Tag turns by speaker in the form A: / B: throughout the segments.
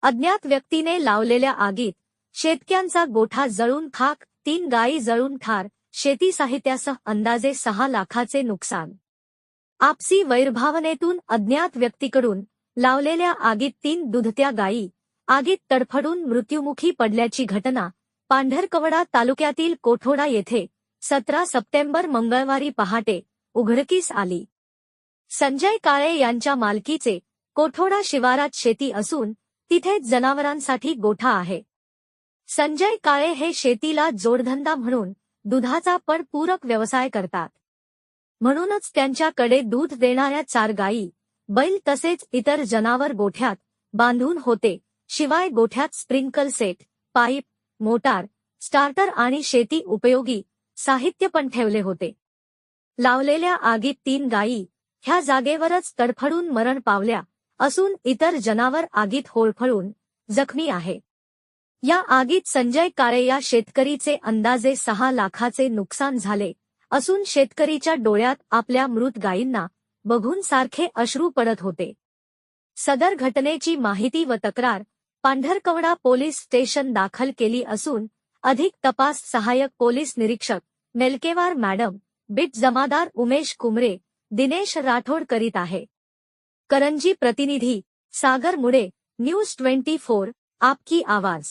A: अज्ञात व्यक्तीने लावलेल्या आगीत शेतकऱ्यांचा गोठा जळून खाक, 3 गायी जळून ठार, शेती साहित्यासह अंदाजे 6 लाखाचे नुकसान। आपसी वैरभावनेतून अज्ञात व्यक्तीकडून लावलेल्या आगीत 3 दुधत्या गायी आगीत तडफडून मृत्युमुखी पडल्याची घटना पांढरकवडा तालुक्यातील कोठोडा येथे 17 सप्टेंबर मंगळवारी पहाटे उघडकीस आली। संजय काळे यांच्या मालकीचे कोठोडा शिवारात शेती असून तिथेच जनावरांसाठी गोठा आहे। संजय काळे हे शेतीला जोडधंदा म्हणून दुधाचा पण पूरक व्यवसाय करतात। म्हणूनच त्यांच्याकडे दूध देणाऱ्या 4 गायी, बैल तसेच इतर जनावर गोठ्यात बांधून होते। शिवाय गोठ्यात sprinkle set, pipe, motor, starter आणि शेती उपयोगी साहित्य पण ठेवले होते। लावलेल्या आगीत 3 गायी ह्या जागेवरच तडफडून मरण पावल्या असून इतर जनावर आगीत होरपळून जखमी आहे। या आगीत संजय काळे या शेतकरीचे अंदाजे 6 लाखाचे नुकसान झाले असून शेतकरीच्या डोळ्यात आपल्या मृत गायींना बघून सारखे अश्रू पडत होते। सदर घटनेची माहिती व तक्रार पांढरकवडा पोलीस स्टेशन दाखल केली असून अधिक तपास सहाय्यक पोलीस निरीक्षक मेलकेवार मॅडम, बिट जमादार उमेश कुमरे, दिनेश राठोड करीत आहे। करंजी प्रतिनिधी सागर मुळे, न्यूज 24, आपकी आवाज।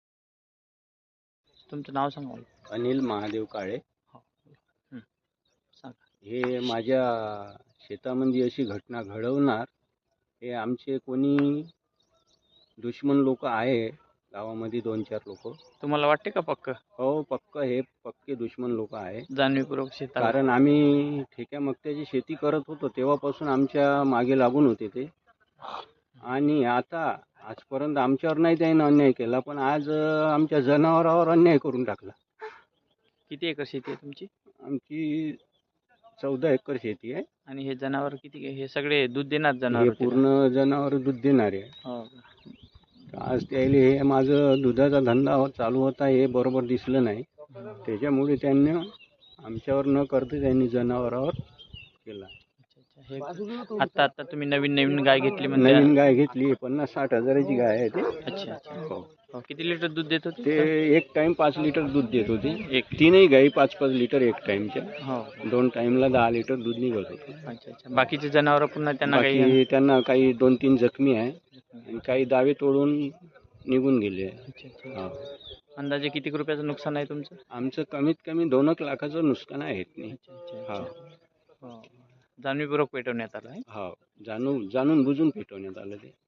B: तुमचं नाव सांगा।
C: अनिल महादेव काळे।
B: सांगा।
C: हे माझ्या शेतामध्ये अशी घटना घडवणार हे आमचे कोणी दुश्मन लोक आहे गावामध्ये 2-4 लोक।
B: तुम्हाला वाटते का पक्क?
C: हो, पक्क हे पक्के दुश्मन लोक आहे।
B: जाणीवपूर्वक शेताला
C: कारण आम्ही ठेक्या मक्त्याची शेती करत होतो तेव्हापासून आमच्या मागे लागून होते ते, आणि आता आजपर्यंत आमच्यावर नाही त्याने अन्याय केला, पण आज आमच्या जनावरांवर अन्याय करून टाकला।
B: किती एकर शेती आहे तुमची?
C: आमची 14 एकर शेती आहे।
B: आणि हे जनावर किती, हे सगळे दूध देणार
C: हे
B: जनावर?
C: पूर्ण जनावर दूध देणारे आहे।
B: हो।
C: आज त्याला हे माझं दुधाचा धंदा चालू होता हे बरोबर दिसलं नाही, त्याच्यामुळे त्यांनी आमच्यावर न करता त्यांनी जनावरावर केला।
B: हे आता तुम्ही नवीन गाय घेतली म्हणजे?
C: नवीन गाय घेतली, 50-60 हजाराची गाय आहे ते।
B: अच्छा अच्छा। हो। किती लिटर दूध देत होते?
C: ते एक टाइम 5 लिटर दूध देत होते। तीनही गायी 5-5 लिटर एक टाइमच्या।
B: हो।
C: 2 टाइमला 10 लिटर दूध निघत होते।
B: अच्छा अच्छा। बाकीचे जनावर पुन्हा त्यांना
C: काही 2-3 जखमी आहे आणि काही दावे तोडून निघून गेले।
B: अच्छा अच्छा। अंदाजे किती रुपयाचं नुकसान आहे तुमचं?
C: आमचं कमीत कमी 2 लाखाचं नुकसान आहे।
B: जाणीवपूर्वक पेटवण्यात आलं आहे?
C: हो, जाणून बुजून पेटवण्यात आलं ते।